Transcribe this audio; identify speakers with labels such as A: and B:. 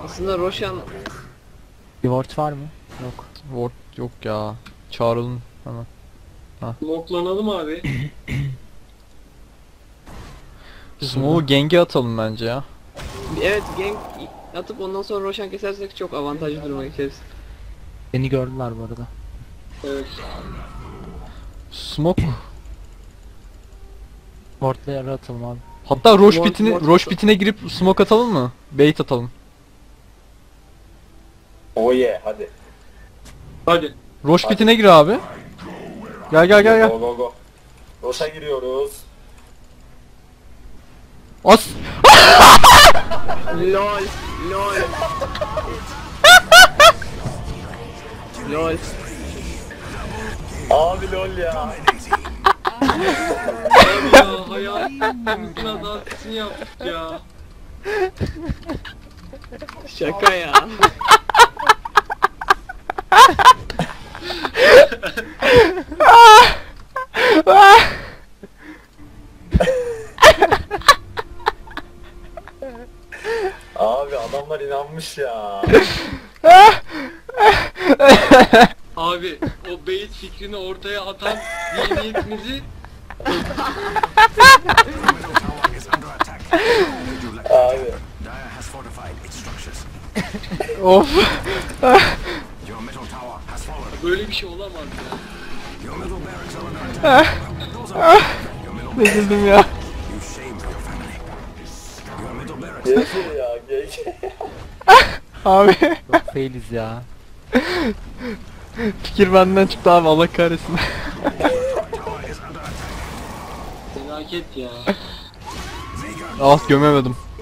A: Aslında Roshan
B: Bir ward var mı? Yok.
C: Ward yok ya. Çağrılın hemen.
D: Smoklanalım abi.
C: Smoke'u genge atalım bence ya.
A: evet gank atıp ondan sonra Roshan kesersek çok avantajlı duruma geçeriz.
B: Beni gördüler bu arada.
D: Evet.
C: Smoke.
B: Ward'ları atalım abi.
C: Hatta
A: Ward-
C: Roche pitine girip smoke atalım mı? Bait atalım.
E: Oh yeah, hadi.
D: Hadi.
C: Roche pitine gir abi. Gel gel gel gel.
E: Go go go. Roşa giriyoruz.
C: As.
A: LOL LOL LOL.
E: Abi lol ya.
D: Abi ya hayatımızın adaletini yaptık ya.
A: Şaka ya.
E: Abi adamlar inanmış ya.
D: Abi o bait fikrini ortaya atan zihniyetimizi
E: Abi.
F: Dire has fortified its structures.
C: Of.
F: Your middle tower has fallen.
D: böyle bir şey olamaz ya.
F: Your middle barracks are under attack. Those are your middle
C: Üzüldüm ya.
F: you shame for your family. Your middle barracks
E: GG ya GG.
C: Abi.
B: Çok failiz ya.
C: Fikir benden çıktı abi, Allah kahretsin.
D: Felaket ya.
C: Ah, gömemedim.